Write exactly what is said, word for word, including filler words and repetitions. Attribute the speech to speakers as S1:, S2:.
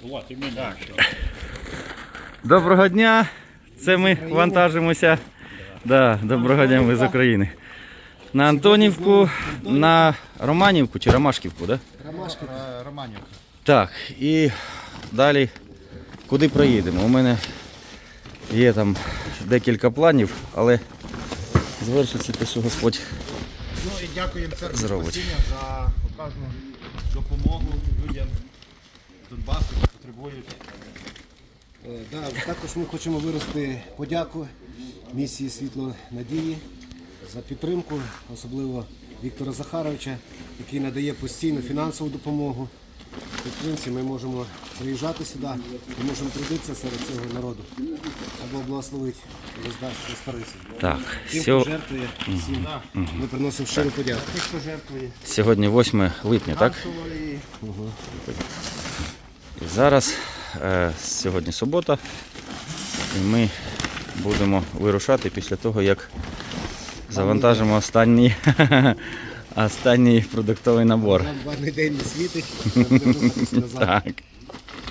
S1: Доброго дня! Це ми вантажимося. Да, доброго дня, ми з України. На Антонівку, на Романівку чи Ромашківку, да?
S2: Романівка.
S1: Так, і далі куди проїдемо? У мене є там декілька планів, але звершиться те, що Господь
S2: Ну і дякуємо церкві
S1: зробить.
S2: Спасіння за оказану допомогу людям з Донбасу, які потребують.
S3: Е, Да, також ми хочемо виразити подяку місії Світло Надії за підтримку, особливо Віктора Захаровича, який надає постійну фінансову допомогу. Підтримці ми можемо приїжджати сюди і можемо трудитися серед цього народу. Або благословити старицю.
S1: Так,
S3: Тим,
S1: сьо...
S3: хто жертвує, всім ми приносимо щиру подяку.
S2: Тих, хто жертвує
S1: сьогодні восьме липня, так?
S2: фінансово і
S1: І зараз, е, сьогодні субота, і ми будемо вирушати після того, як завантажимо останній, останній продуктовий набор.
S3: Нам варний день не світить, ми будемо рухатись назад.
S1: Так.